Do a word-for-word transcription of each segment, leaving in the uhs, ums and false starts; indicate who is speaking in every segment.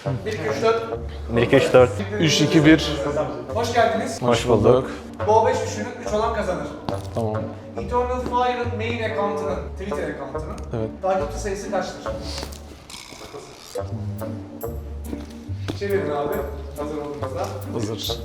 Speaker 1: bir iki üç dört.
Speaker 2: bir iki üç dört.
Speaker 3: üç iki bir.
Speaker 1: Hoş geldiniz.
Speaker 2: Hoş bulduk.
Speaker 1: Bol beş düşünün, üç olan kazanır.
Speaker 3: Tamam.
Speaker 1: Eternal Fire'ın main account'ının, Twitter account'ının
Speaker 3: Evet.
Speaker 1: takipçi sayısı kaçtır? Çevirin abi, hazır olduğunuzda.
Speaker 3: Hazır.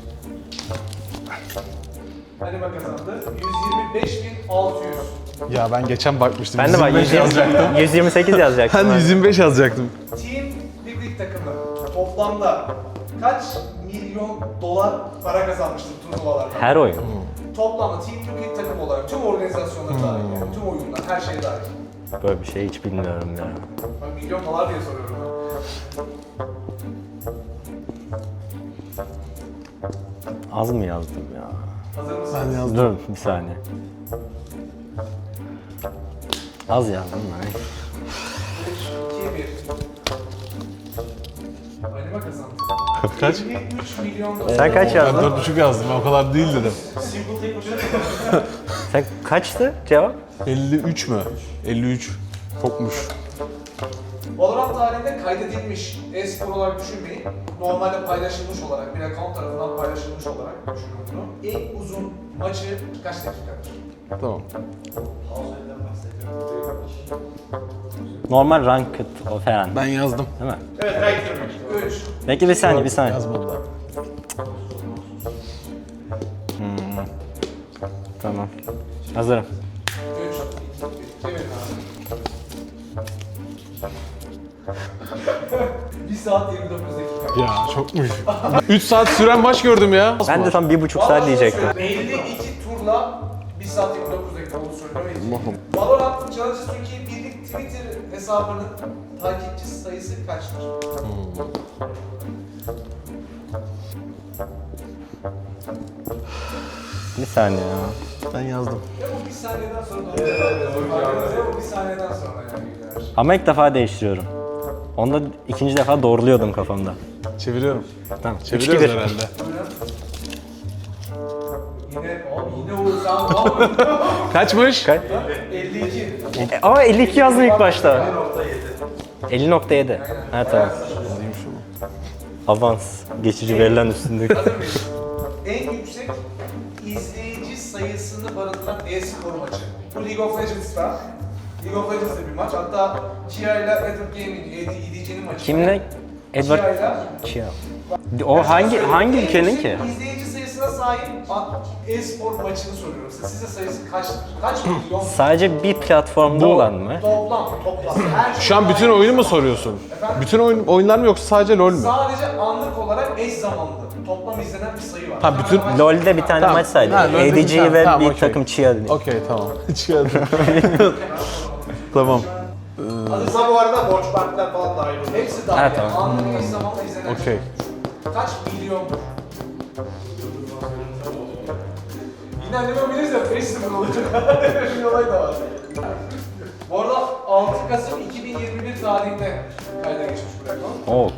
Speaker 1: Anima kazandı. yüz yirmi beş bin altı yüz.
Speaker 3: Ya ben geçen bakmıştım.
Speaker 2: Ben de bak
Speaker 3: yüz yirmi beş yazacaktım.
Speaker 2: yüz yirmi sekiz yazacaktım.
Speaker 3: Ben
Speaker 2: ha.
Speaker 3: yüz yirmi beş yazacaktım.
Speaker 1: Team Liquid takımı toplamda kaç milyon dolar para kazanmıştır turnuvalarda?
Speaker 2: Her oyun.
Speaker 1: Toplamda Team Liquid takım olarak tüm organizasyonlar dahil, yani tüm oyunlar, her şey dahil.
Speaker 2: Böyle bir şey hiç bilmiyorum ya.
Speaker 1: Ben milyon dolar diye soruyorum.
Speaker 2: Az mı yazdım ya?
Speaker 1: Hazır mısınız?
Speaker 3: Ben yazdım.
Speaker 2: Dur bir saniye. Az yazdım ben.
Speaker 1: üç, iki, bir. Anima kazandı.
Speaker 3: Kaç?
Speaker 1: elli üç milyon dolar.
Speaker 2: Sen kaç
Speaker 3: Ben
Speaker 2: yazdın?
Speaker 3: dört buçuk yazdım. O kadar değil dedim.
Speaker 1: Simple tek başına.
Speaker 2: Sen kaçtı cevap?
Speaker 3: elli üç mü? elli üç. Çokmuş.
Speaker 1: Valorant tarihinde kaydedilmiş e-spor olarak düşünmeyin. Normalde paylaşılmış olarak, bir account tarafından paylaşılmış olarak düşünün bunu. En uzun maçı kaç dakikadır?
Speaker 3: Tamam.
Speaker 2: Normal ranked o falan.
Speaker 3: Ben yazdım.
Speaker 2: Değil mi?
Speaker 1: Evet, right. üç.
Speaker 2: Bekle bir saniye bir saniye.
Speaker 3: Yazmadılar.
Speaker 2: Tamam. Hazırım.
Speaker 1: üç, iki, bir. Çevirin abi. bir saat yirmi dokuz dakika.
Speaker 3: Ya çokmuş. üç saat süren maç gördüm ya.
Speaker 2: Ben de tam bir buçuk saat diyecektim.
Speaker 1: elli iki turla bir saat yirmi dokuz dakika oldu söylemeyi. Valorant Challenges Türkiye Birlik Twitter hesabının takipçi sayısı kaçtır?
Speaker 2: Bir saniye ya.
Speaker 3: Ben yazdım.
Speaker 1: Ya bu bir saniyeden sonra doğru cevap veriyor. Ya bu bir saniyeden sonra yani.
Speaker 2: Ama ilk defa değiştiriyorum. Onda ikinci defa doğruluyordum kafamda.
Speaker 3: Çeviriyorum.
Speaker 2: Tamam. üç iki
Speaker 3: Çeviriyoruz
Speaker 2: bir.
Speaker 3: herhalde.
Speaker 1: Yine, abi yine Uğur sen abi.
Speaker 3: Kaçmış?
Speaker 2: Kaç?
Speaker 1: elli iki.
Speaker 2: E, Aa elli iki yazdım ilk başta. elli nokta yedi. Ha tamam. Avans. Geçici verilen üstündeki.
Speaker 1: Hazır mıyız? En yüksek izleyici sayısını barındıran e-spor maçı. Bu League of Legends'ta. League of Legends'ta bir maç. Hatta Chia ile Edward Gaming, E D C'nin maçı.
Speaker 2: Kimle?
Speaker 1: Chia
Speaker 2: Edward
Speaker 1: ile.
Speaker 2: Chia. O hangi hangi ülkenin ki?
Speaker 1: İzleyici sayısına sahip e-spor maçını soruyorum size. Size sayısı kaçtır? Kaç milyon?
Speaker 2: Sadece bir platformda
Speaker 3: Bu-
Speaker 2: olan mı?
Speaker 1: Toplam, toplam. Her
Speaker 3: Şu an bütün oyunu mu soruyorsun? Bütün oyun oyunlar mı yoksa sadece LoL mü?
Speaker 1: Sadece anlık olarak eş zamanlı. Toplam izlenen bir sayı var.
Speaker 3: Ha, bütün-
Speaker 1: Maç-
Speaker 2: LoL'de bir tane
Speaker 3: Tamam.
Speaker 2: maç saydı.
Speaker 3: Ha, LoL'de bir
Speaker 2: A D G
Speaker 3: tane.
Speaker 2: ve
Speaker 3: Tamam,
Speaker 2: bir
Speaker 3: okey.
Speaker 2: takım Chia dedi.
Speaker 3: Okey tamam. Çıkardım. Tamam.
Speaker 1: Hazırsa bu arada borç partiler falan dahil oluyor. Hepsi dahil.
Speaker 2: Ha,
Speaker 1: yani.
Speaker 2: tamam.
Speaker 1: Anlık eş zamanlı izlenen.
Speaker 3: Okey.
Speaker 1: Kaç milyon? Yine anneme bilirse beş sıfır olacak. Öyle bir olay da var. Bu arada altı Kasım iki bin yirmi bir tarihinde kayda geçmiş bu reklam.
Speaker 2: Oo.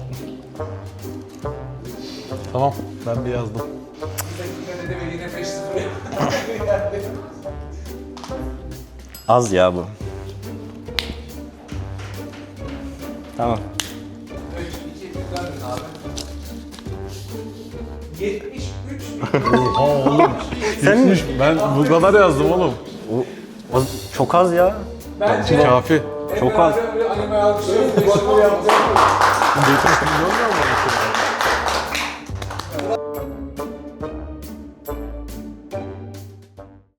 Speaker 3: Tamam. Ben bir yazdım.
Speaker 1: Yine dedi ve yine beş sıfır. Yani.
Speaker 2: Az ya bu. Tamam.
Speaker 1: üç, iki, bir döndün abi. yetmiş üç bin.
Speaker 3: Aa oğlum.
Speaker 2: Sen
Speaker 3: Ben bu kadar yazdım oğlum.
Speaker 2: o, o çok az ya.
Speaker 1: Bence
Speaker 3: Kafi.
Speaker 2: Çok az.
Speaker 1: Böyle anime alkışlıyor. beş sıfır yaptı.